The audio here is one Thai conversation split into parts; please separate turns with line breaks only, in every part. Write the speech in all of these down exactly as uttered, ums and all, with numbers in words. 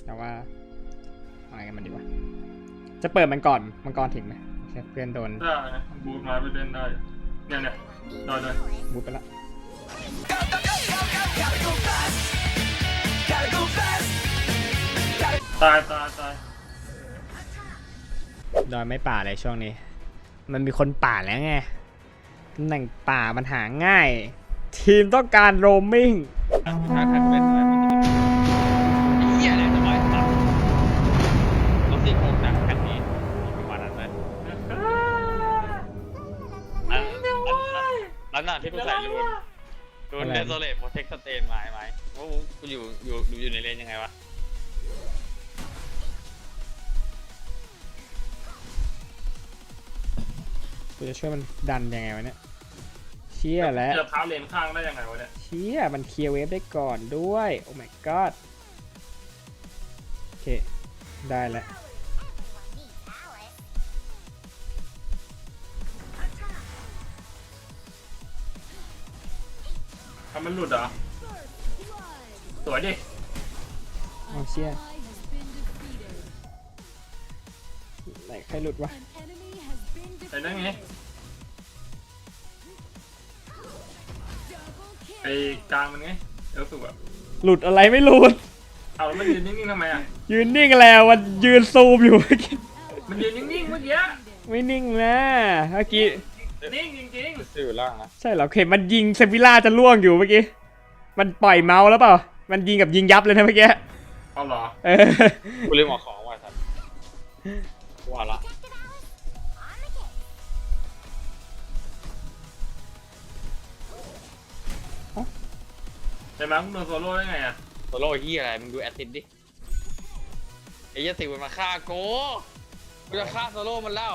แต่ว่าอะไรกันมันดีวะจะเปิดมันก่อนมังกรถึงไหมเพื่อนโดน
ได้บูทมาไปเล่นได้เนี่ยเนี่ยได้เลย
บูทไปละ
ตายตายตาย
ดอยไม่ป่าเลยช่วงนี้มันมีคนป่าแล้วไงตำแหน่งป่ามันหาง่ายทีมต้องการโรมมิ่ง
ถ้าใครเป็นอะไรมันจะเป็นเหี้ยอะไรจะร้อยตับรถสี่โครงหนักแผ่นนี้มีวันนั้นไหมอันนั้นน่ะที่กูใส่รูนรูนเดโซเลตโปรเทคสเตนมาไหมว่ากูอยู่อยู่อยู่ในเลนยังไงวะ
กูจะช่วยมันดันยังไงวะเนี่ยเชี่ยแล้ว
จะเท้าเลนข้างได้ยังไงวะเนี่ย
เชี่ยมันเคลียร์เวฟได้ก่อนด้วยโอ้ my god โอเคได้แล้ว
ทำมันหลุดเหรอสวยดิ
เอาเชี่ยไหนใครหลุดวะ
ไอ้นั่นไงไอ้กลางมันไงเอลสุกอะ
หลุดอะไรไม่หลุด
เอาแล้วมันยืนนิ่งๆทำไมอะ
ยืนนิ่งแล้วมันยืนซูมอยู่เมื่อกี้
มันยืนนิ่งๆเมื่อกี้
ไม่นิ่งนะเมื่อกี้
นิ่งจริง
ๆอยู่ล่างนะ
ใช่เหรอเข็มมันยิงเซฟิล่าจะล่วงอยู่เมื่อกี้มันปล่อยเมาส์แล้วเปล่ามันยิงกับยิงยับเลยนะเมื่อกี้
เอาเหรอ
เออ
กูเรียกหมอของว่ะท่านว่าละ
ใช่ไหมมึงโดนโซโล่ได้ไงอะ
โซโล่เฮียอะไรมึงดูแอตติสดิไอ้เหี้ยสิมันมาฆ่าโก้กูจะฆ่าโซโล่มันแล้ว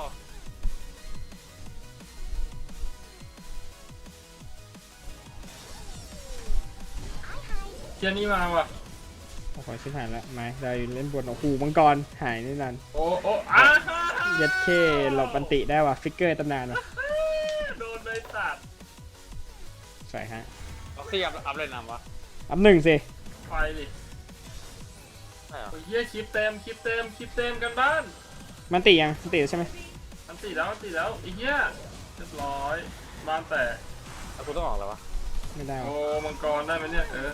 เทียนี่มาว่ะ
โอ้โหชิบหายแล้วไม่ได้เล่นบนโอ้โหมังกรหายนี่นั่น
โอ้โอ้อา
ยัดเคหลบปันติได้ว่ะฟิกเกอร์ตำนานว่ะ
โดนเลยสัตว์
ใส่ฮะ
เอาเสียบอัพเลยนำวะ
อัพหนึ่งสิ
ไปดิโอ้ยเยี่ยคลิปเต็มคลิปเต็มคลิปเต็มกันบ้าน
มันติยังมันติใช่ไหม
มันติแล้วมันติแล้วไอ้เหี้ยเรียบร้อยบ้านแตก
แล้วกูต้องออกแล้ววะ
ไม่ได้
โอ้มังกรได้ไหมเนี่ยเออ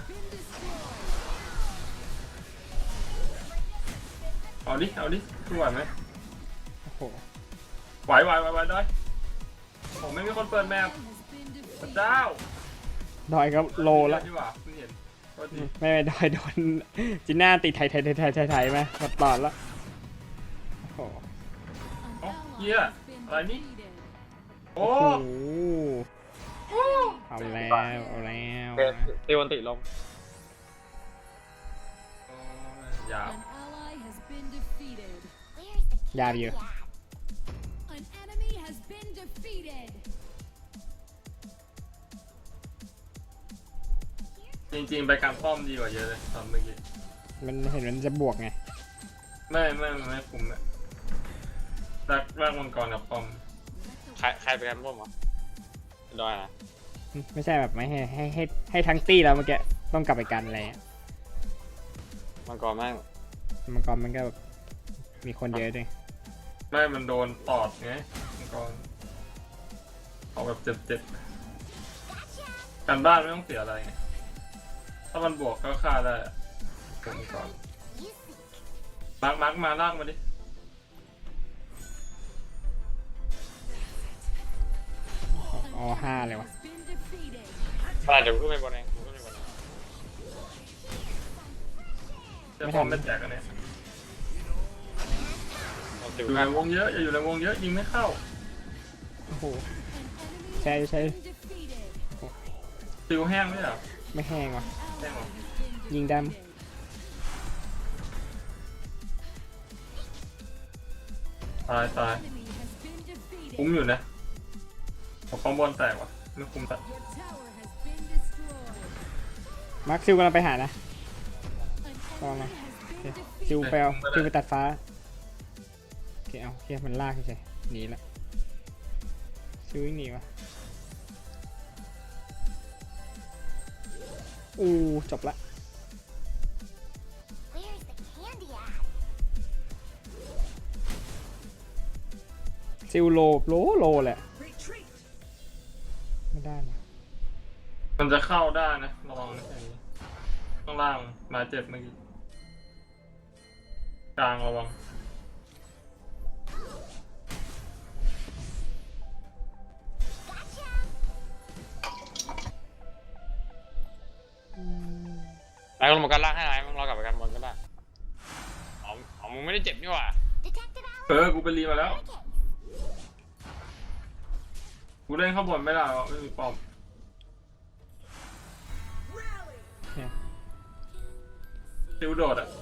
เอาดิเอาดิช่วยไหม
โอ้โห
ไหวไหวไหวไหวได้ผมไม่มีคนเปิดแมปพระเจ้า
ดอยก็โลแล้วไม่ไม่ดอยโดนจีน่าติดไทยไทยไทยไทยไทยไทยไหมหมดตอนแล้วโอ้โห
เหี้ยอะไรนี่โอ้
เอาแล้วเอาแล้ว
ตีวันติลง
ยาวย
าวอยู่
จริงๆไปการป้อมดีกว่าเยอะเลยตอนเมื่อกี้
มันเห็นมันจะบวกไง
ไม่ไม่ไม่คุ้มเลยรักรักมังกรกับป้อม
ใครใครไปการป้อมวะดอยนะ
ไม่ใช่แบบไม่ให้ให้ให้ให้ทั้งตี้แล้วเมื่อกี้ต้องกลับไปกันอะไร
มังกรแม่ง
มังกรมันก็แบบมีคนเยอะด้วย
ไม่มันโดนตอดไงมังกรเอาแบบเจ็บๆการบ้านไม่ต้องเสียอะไรไงถ้ามันบวกก็ฆ่าได้ผมก่อนมาร์กมาร์กมาลากมาดิ
อ๋อห้าเลยวะ
ปลาเดี๋ยวกูขึ้นไปบนเองกูขึ้นไปบนเอง
จะพร้อมเป็นแจกกันเนี่ยอยู่ในวงเยอะอย่าอยู่ในวงเยอะยิงไม่เข้า
โอ้โหใช่ใช่
ติวแห้งไหมอ่ะ
ไม่แห้งวะ
แห้งหรอ
ยิงดำ
ตายตายคุ้มอยู่นะพอคอมบอลแตกว่ะไม่คุ้มตัด
มาร์คซิลกำลังไปหานะลองมาซิลไปเอาซิลไปตัดฟ้าโอเคเอาเฮียมันลากเฉยหนีละซิลวิ่งหนีวะอู้จบละซิลโลโลโลแหละไม่ได้นะ
มันจะเข้าได้นะระวังนะอย่างนี้ข้างล่างมาเจ็บเมื่อกี้กลางระวัง
นายลงมากันล่างให้นายมึงรอกลับไปกันบนก็ได้อ๋ออ๋อมึงไม่ได้เจ็บนี่หว่า
เออกูไปรีมาแล้วกูเล่นข้างบนไม่ได้หรอกไม่มีป้อม
เนี่ย
ซิวโดดอ่ะ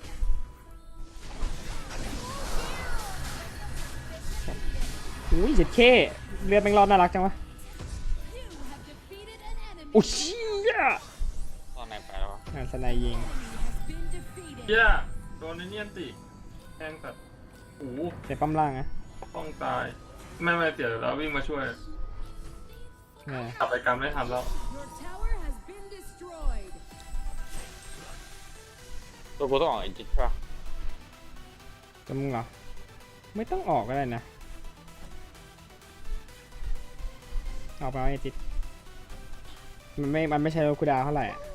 อุ้ยเจ็ดเคเลือดแม่งรอดน่ารักจังวะอุ้ยเชี่ย
ตอนไหนไปแล้ววะ
งานสไนยิง
เหี้ยโดนไอ้เนียนติแทงสัตว์โอ้โห
เจ็บปั๊มล่างนะ
ต้องตายไม่ไม่เสียแล้ววิ่งมาช่วย
เนี่ย
กลับไปกันไม่ทันแล้ว
ตัวกูต้องออกอีกจิตใช่ปะ
จะมึงเหรอไม่ต้องออกก็ได้นะออกไปไอ้จิตมันไม่มันไม่ใช่โลคูดาวเท่าไหร่อะ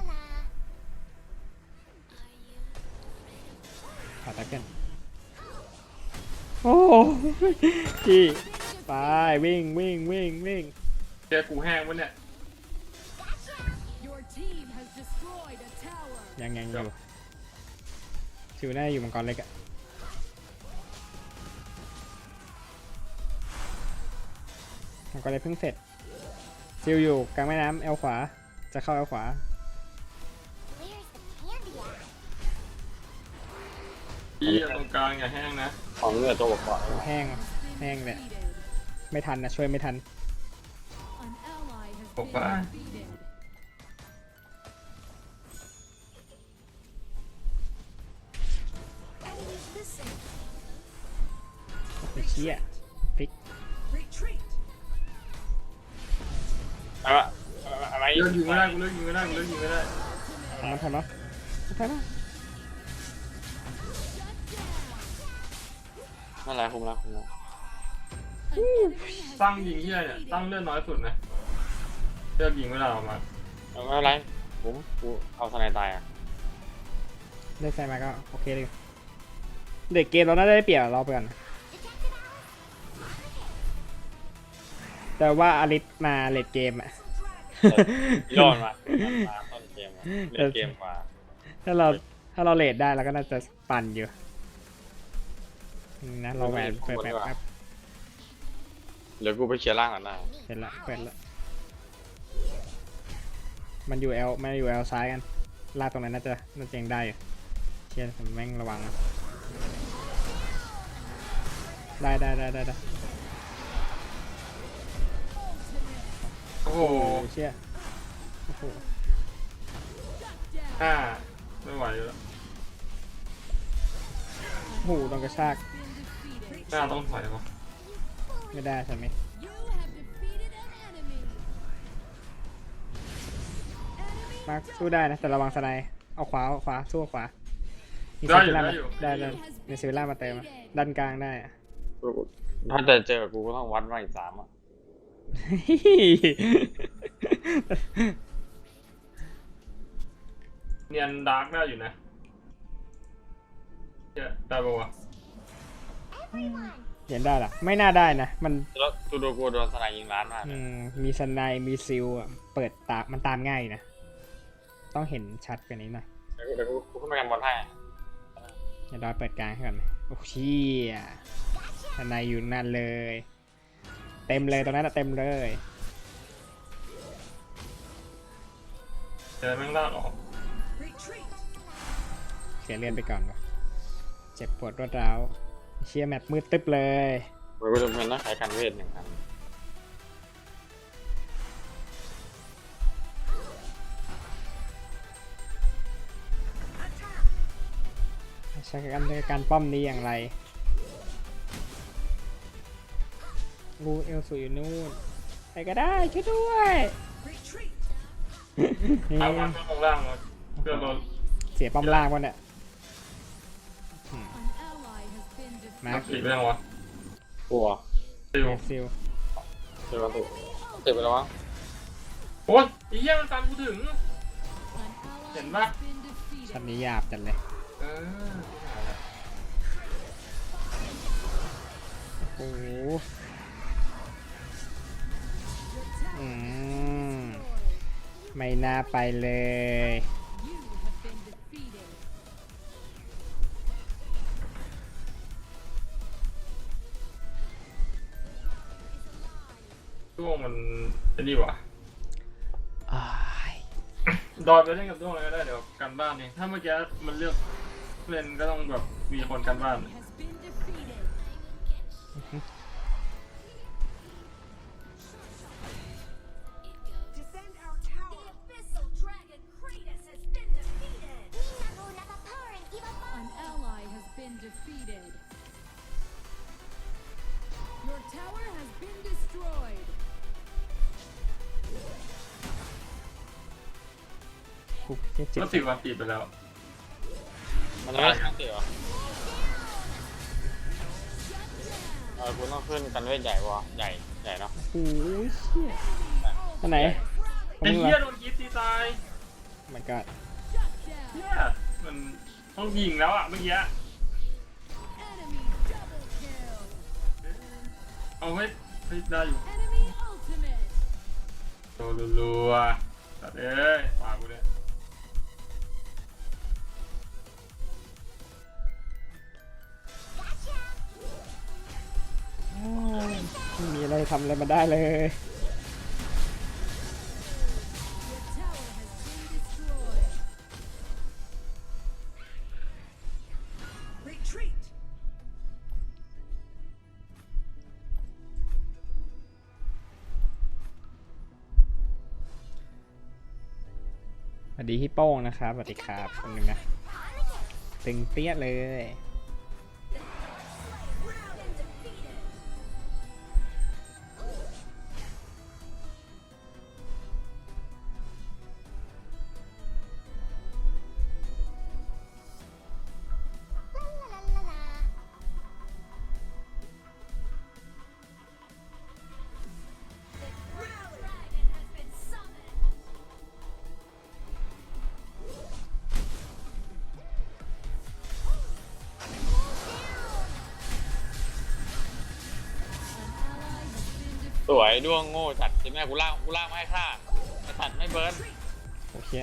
ขาตะกันโอ้จีไปวิ่งวิ่งวิ่งวิ่ง
แกกูแห้งวะเนี่ย
ยังยังอยู่ชิวน่าจะอยู่มังกรเล็กอะมังกรเล็กเพิ่งเสร็จชิวอยู่กลางแม่น้ำเอลขวาจะเข้าเอลขวา
พี่ตรงกลางอย่าแห้งนะ
ของเลือดตัวก่อน
แห้งแห้งเลยไม่ทันนะช่วยไม่ทัน
บอกว่า
ไอ้เชี่ยพลิก
อะไรอะไร
เลิกยิงไม่ได้กูเลิกยิงไม่ได้กูเลิกยิงไม่ได้
ทำมันทันเนาะทันเนาะ
นั่นแหละคุมแล้วคุมแล้ว
ตั้งยิงที่ไรเนี่ยตั้งเลือดน้อยสุดนะเลือกยิงไม่ได้ออกมา
ไม่เป็นไรผมกูเอาสไนตายอ่ะ
ได้ใส่มาก็โอเคเลยเด็กเกมเราน่าจะได้เปรียบเราไปก่อนแต่ว่าอลิสมาเลดเกมอะ
ยอดมามาต้นเกมเล่นเกมกว่า
ถ้าเราถ้าเราเลดได้เราก็น่าจะปั่นอยู่นะเราแหวนเปิดแบบครับ
เดี๋ยวกูไปเคลียร์ล่างก่อนนะ
เสร็จละเปิดละมันอยู่เอลมันอยู่เอลซ้ายกันลากตรงนั้นน่าจะน่าจะยังได้อยู่เชียร์ผมแม่งระวังนะได้ได้ได้ได้ได้
โอ้โห
โอ้เชี่ยโอ้โห
ห้าไม่ไหวอยู่แล้ว
โอ้โหต้องกระชาก
หน้าต้องถอยวะ
ไม่ได้ใช่ไหมมาร์คสู้ได้นะแต่ระวังสไนด์เอาขวาเอาขวาสู้ขวามี
ได้
เซ
อยู่
ล่า
ได้
มา
อยู่
ได้ได้มีเซล่ามาเติมอะด้านกลางได้อะ
ถ้าจะเจอกูก็ต้องวัดมาอีกสามอ่ะ
เนียนดาร์กได้อยู่นะเจ๊ได้ปะวะ
เห็นได้เหรอไม่น่าได้นะมัน
แล้วตูโดกูโดนสไนยิงล้านมาก
อืมมีสไนด์มีซิลอะเปิดตามันตามง่ายนะต้องเห็นชัดกว่านี้หน่อย
เดี๋ยวกูกูขึ้นไปกันบอลให้
เดี๋ยวเราเปิดกลางให้ก่อนไหมโอ้เชี่ยสไนด์อยู่นั่นเลย เต็มเลยตรงนั้นอะเต็มเลย
เจอแม่งลากออก
เสียเลือดไปก่อนว่ะเจ็บปวดรวดร้าวเชี่ยแมปมืดตึ๊บเลย
กูจะเป็นนักขายการเวทหนึ่งครั้ง
ใช้การการป้อมนี้อย่างไรรูเอลสูอยู่นู่นไปก็ได้ช่วยด้วยนี่
เอามันลงล่างมาเพื่อรถ
เสียป้อมล่างวะเนี่ยอืมมา
นักขี่ไปยังวะ
กลัว
ซิล
แม็กซิล
เดี๋ยวเราติดติดไปแล้ววะ
โอ้ยไอ้เหี้ยมันตามกูถึง เห็นปะ
ช็อตนี้หยาบจัดเลย
เออกูหาแล้ว
โอ้โหอืมไม่น่าไปเลย
ด้วงมันไอ้นี่วะ
อ้าย
ดอยไปเล่นกับด้วงเลยก็ได้เดี๋ยวกันบ้านเองถ้าเมื่อกี้มันเลือกเล่นก็ต้องแบบมีคนกันบ้าน
Defend our tower.
The abyssal dragon Kratos has been defeated.
An ally has been defeated. Your tower has been destroyed.
คุกเจ็บ
ก็สิบวันติดไปแล้ว
มันจะไม่ใช่ติดเหรอเออกูต้องขึ้นกันเวทใหญ่วะใหญ่ใหญ่เนาะ
โอ้ยเชี่ยอันไหนขอ
ไอ้
งมึง
เหี้ย
เหรอ
โดนกีตีตาย
มันก็
Shut down.
เหี้ยมันต้องยิงแล้วอ่ะเมื่อกี้
Enemy double kill.
เอาไว้ไม่ได้อยู่
Enemy ultimate.
โดนรัวๆตัดเอ้ยปากกูเนี่ย
อ้าวไม่มีอะไรทำอะไรมาได้เลย
Your tower has been destroyed. Retreat.
สวัสดีพี่โป้งนะครับสวัสดีครับคนหนึ่งนะตึงเปี้ยเลย
Dragon has been summoned.
สวยด้วงโง่จัดใช่ไหมกูล่างกูล่างไม่ให้ฆ่าไอ้สัตว์ไม่เบิร์น
โอเค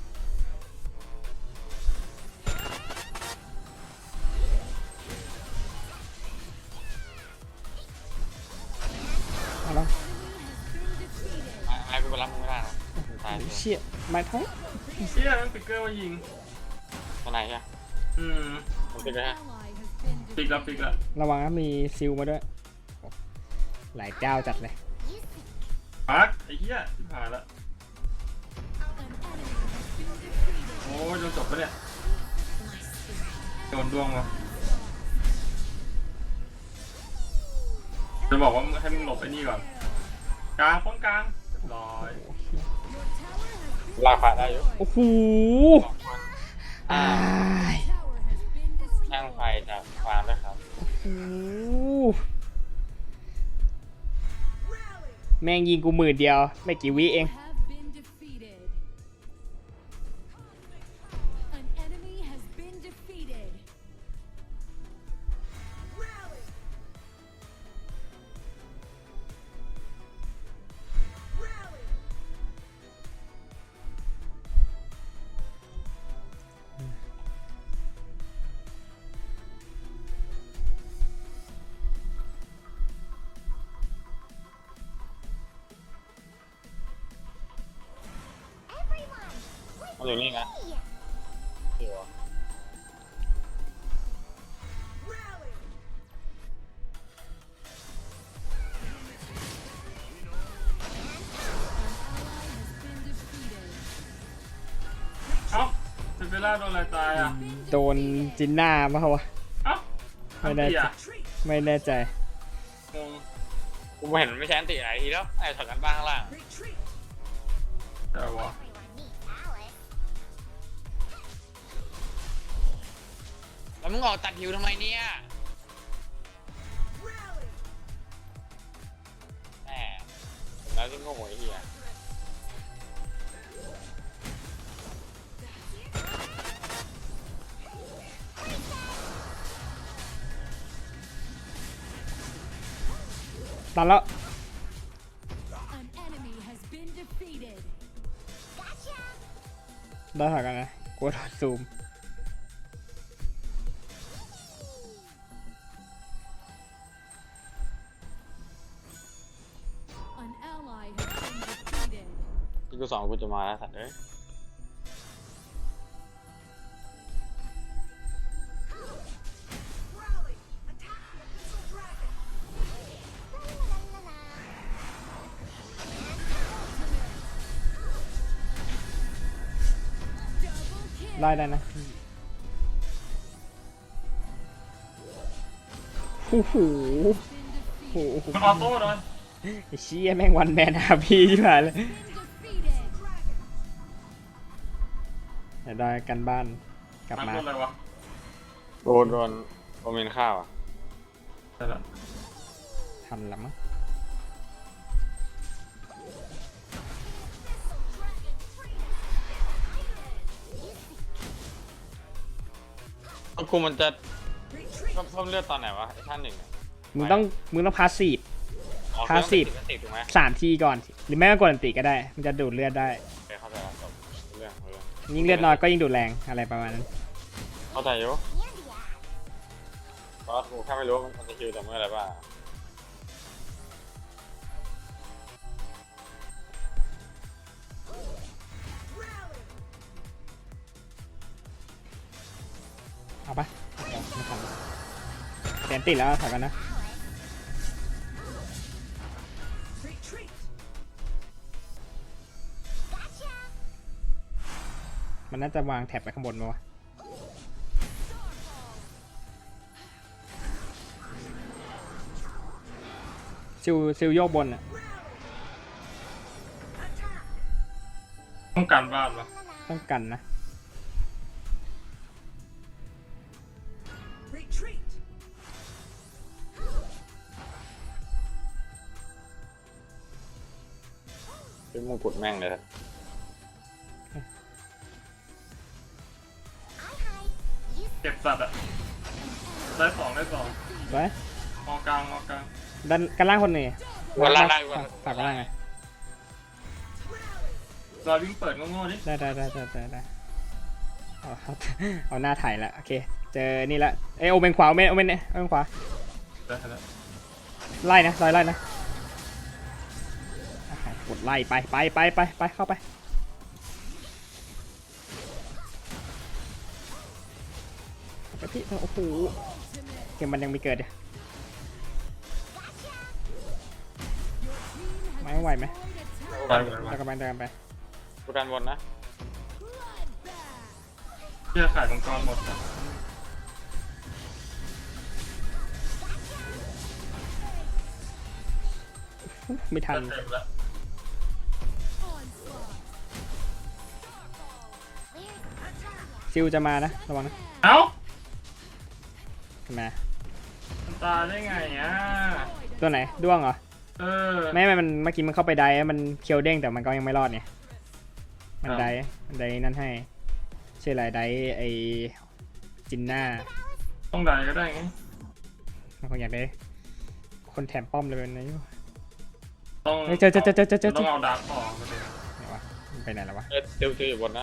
เอาละ
ไอ้ไอ้กูไปรับมึงไม่ได้นะมึงตาย
โอ้
เลย
เชี่ยมาท้อง
เชี่ยมันปิกเกอร์มายิง
ข้างในใช่ไหม
อืม
มันติดเลยฮะ
Ally has been
ปิกแล้วปิกแล้ว
ระวังนะมีซิลมาด้วยโอ้หลายเจ้าจัดเลย
ปักไอ้เหี้ยที่ผ่านละ โอ้ยโดนจบปะเนี่ยโดนดวงวะจะบอกว่าให้มึงหลบไอ้นี่ก่อนกลางป้องกลางเรียบร้อย
ลากผ่าได้อยู่
โอ้โห
สองคน
อ้าย
tower has been destroyed.
ช่างไฟจากฟาร์มด้วยครับ
โอ้โหแม่งยิงกูหมื่นเดียว ไม่กี่วิเอง
Have been defeated. An enemy has been defeated. Rally. Rally.
มันอยู่นี่ไงเดี๋ยว
Rally.
เอ้าเซเบล่าโดนอะไรตายอ่ะ
โดนจินหน้ามาเหรอวะ
เอ้า
ไม่ได้
อันตีอ่ะ
ไม่แน่ใจ
งง
กูไม่เห็นมันไม่ใช่อันติไหนทีแล้วไอ้ถอดกันบ้างข้างล่าง
Retreat.
แต่วะ
แล้วมึงออกตัดหิวทำไมเนี่ย
Rally.
แล้วที่โง่ไอ้เหี้ย
ตันแล้ว
An enemy has been defeated.
ได้ถอยกันนะกลัวโดนซูม
An ally has been defeated.
ที่กูสองกูจะมาแล้วสัตว์เอ้ย
Rally! Attack the abyssal dragon!
Double kill.
ไล่ได้นะโอ้โห
Been
โอ้โห
defeated.
มันออโต้เลย
ไอ้เชี่ยแม่งวันแมนหาพี่ที่ผ่านเลย
Been defeated.
เดี๋ยวได้กันบ้านกลับ
มัน
มา
โดนอะไรวะ
โดนโดนโอเมนข้าวอ่ะ
ใช่ละ
ทันละมั้ง
แล้วกูมันจะเพิ่มเพิ่มเลือดตอนไหนวะไอ้ท่านหนึ่งอะ
มึงต้องมึงต้องพาสซีฟ
อ๋อ
พาสซีฟ
เครื่องติดถูกไหม
สามทีก่อน หรือไม่ก็กดอันติก็ได้ มันจะดูดเลือดได้
โอเคเข้าใจแล้วจบเรื่องเรื่อง
ยิ่งเลือดน้อยก็ยิ่งดูดแรงอะไรประมาณนั้น
เข้าใจอยู่เพราะกูแค่ไม่รู้ว่ามันจะคิวแต่เมื่อไหร่บ้าง
เอาปะไม่ทันเสียนติดแล้วถอยกันนะ
Retreat!
มันน่าจะวางแท็บไปข้างบนมาวะซิลซิลโยกบนอ่ะ
Attack!
ต้องการบ้านปะ
ต้องกันนะ
Retreat!
เป็นมงกุฎแม่งเลยครับ
เก็บสัตว์อะได้สองได้สอง
ไว้
มอกลางมอกลาง
ดันกันล่างคนนี้
วันล่างได้วัน
ฝากกันล่างไง
รอวิ่งเปิดโง่ๆดิ
ได้ได้ได้ได้ได้ได้เอาเอาเอาหน้าถ่ายละโอเค เจอนี่ละเอยโอเมนขวาโอเมนโอเมนเนี่ยโอเมนขวา
ได้แล้ว
ไล่นะซอยไล่นะอ่ะกดไล่ไปไปไปไปไปเข้าไปไปพี่โอ้โหเกมมันยังไม่เกิดเลยไม่ไหวไหม
ได้หมด
ตะกันไปตะกันไป
กูดันบนนะ
เชื่อขายมังกรหมดอะ
ไม่ทัน
ได้เต็มแล้ว
ซิลจะมานะระวังนะ
เอ้า
มา
มันตายได้ไงอ่ะ
ตัวไหนด้วงเหรอ
เออ
ไม่ไม่มันเมื่อกี้มันเข้าไปได้มันเคียวเด้งแต่มันก็ยังไม่รอดเนี่ยมัน
อ้าว
ได้มันได้นั่นให้ชื่ออะไรได้ไอจินน่า
ต้องได้ก็ได้ไง
มันคงอยากได้คนแถมป้อมเลยเป็นไงอยู่
ต้อง
เฮ้ยเจอเจอเจอเจอเจอเจอ
ต้องเอาดาร์กออกมาเลย
ไหนวะมันไปไหนแล้ววะ
เอ้ยติวติวอยู่บนนะ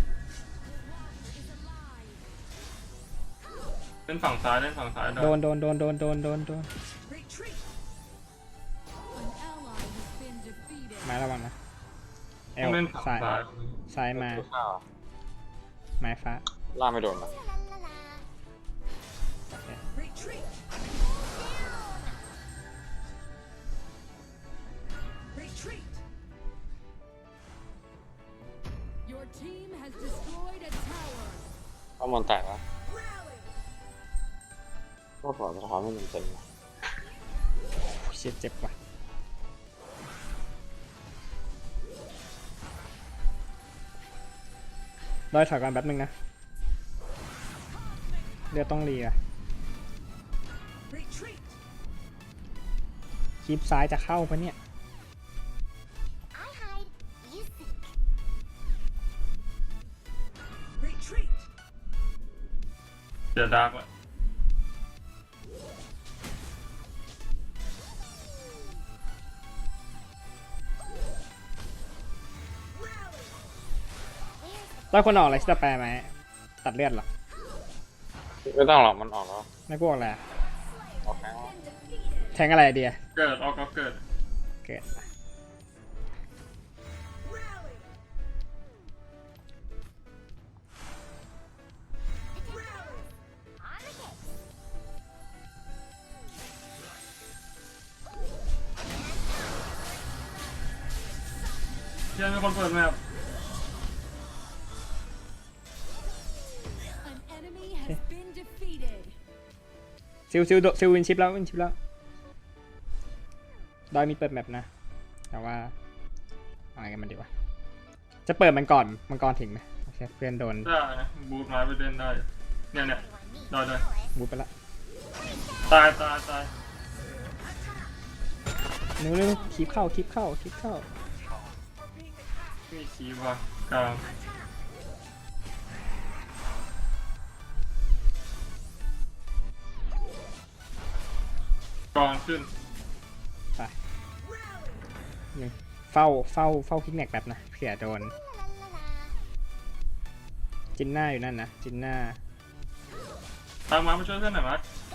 เล่นฝั่งซ้ายเล่นฝั่งซ้ายได้
โดนโดนโดนโดนโดนโดนโดน
Retreat!
An ally has been defeated.
มาระวังนะเอ
ต้อ
ล
งเล่นฝั่ง
ซ้าย
ซ้าย
ซ้ายมา
ติวข้าวอะ
ไม้ฟ้า
ล่ากไม่โดนนะ
Retreat! Retreat!
Your team has destroyed a tower.
ข้อมูลแตกแล้ว
Rally!
ก็ปล่อยสะท้อนไม่มันเต็มนะ
เชี่ยเจ็บว่ะรอยถอยก่อนแป๊บนึงนะเรือต้องเรีย
Retreat!
คลิปซ้ายจะเข้าปะเนี่ย
เดี๋ยวดาร์กละ
ต้องคนออกอะไรที่จะแปลไหมตัดเลือดเหรอ
ไม่ต้องหรอกมันออกแล้ว
ไม่พวกอะไรอะ
ออกแล้ว
แทงอะไรอะเดีย
เกิดออกก็เกิด
เกิด
เชี่ยมีคนเปิดแมป
An enemy has been defeated.
ซิลซิลโดซิลวินชิปแล้ววินชิปแล้วดอยมีเปิดแมปนะ แต่ว่าอะไรกันมันดีวะจะเปิดมันก่อนมังกรถึงไหมโอเคเพื่อนโดน
ได้นะบูทไม้ไปเล่นได้เนี่ยเนี่ยได้ได้
บูทไปละ
ตายตายตาย
เร็วเร็วคลิปเข้าคลิปเข้าคลิปเข้า
มีคีบว่ะกลางกองขึ้น
ไปหนึ่งเฝ้าเฝ้าเฝ้าคิกแนกแบบนะเผื่อโดนจินหน้าอยู่นั่นนะจินหน้า
ตามมามาช่วยเพื่อนหน่อยมั้ย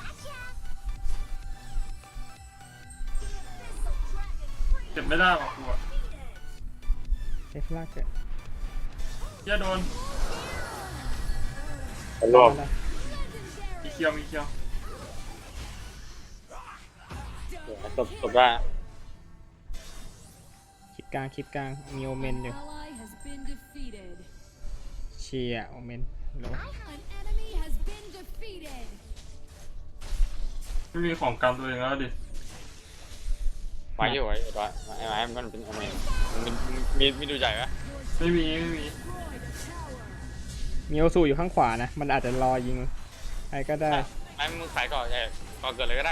เก็บไม่ได้หรอกกูอะ
เอฟลากเกิด
เชี่ยโดน
มันรอบ
มีเคียวมีเคียว
จบจบได้
คลิปกลางคลิปกลางมีโอเมนอยู่
Ally has been defeated.
เชียร์โอเมนโล
An enemy has been defeated.
ไม่มีของกันตัวเองแล้วดิ
ไว้อยู่ไว้อยู่ด้วยไอ้ไม้มันเป็นโอเมนมันมีมีดูใจปะ
ไม่มีไม่มี
มีโอซูอยู่ข้างขวานะ มันอาจจะรอยิงใครก็ได้
ไอ้มึงขายก่อนไอ้ก่อนเกิดเลยก็ได้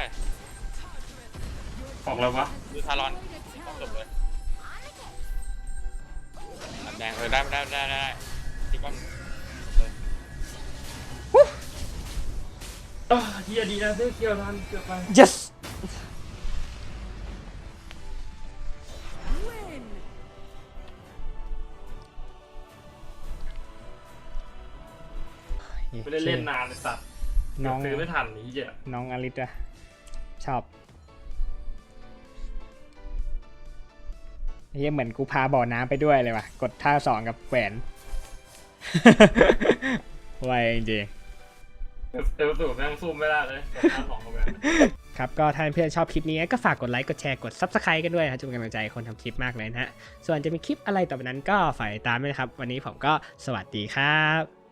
ออกแล้ววะ
ดูทารอนจบเลยแดงเออได้ได้ได้ได้ที่ก้อน
อ่ะเฮียดีนะซื้อเคียวทันเกือบไป
yes
Win.
ไม่ได้เล่นนานเลยสัตว์
น้อง
ซื้อไม่ทันนี้เหี้ย
น้องอลิสอะชอบเฮียเหมือนกูพาบ่อน้ำไปด้วยเลยว่ะ กดท่าสองกับแขวน ไวจริง
เอลสูบแม่งสู้ไม่ได้เลยแต่ท่าสองกับแหวน
ๆครับก็ถ้าเพื่อนชอบคลิปนี้ก็ฝากกดไลค์กดแชร์กด ซับสไครบ์ กันด้วยนะครับจะเป็นกำลังใจให้คนทำคลิปมากเลยนะฮะส่วนจะมีคลิปอะไรต่อไปนั้นก็ฝากติดตามด้วยนะครับวันนี้ผมก็สวัสดีครับ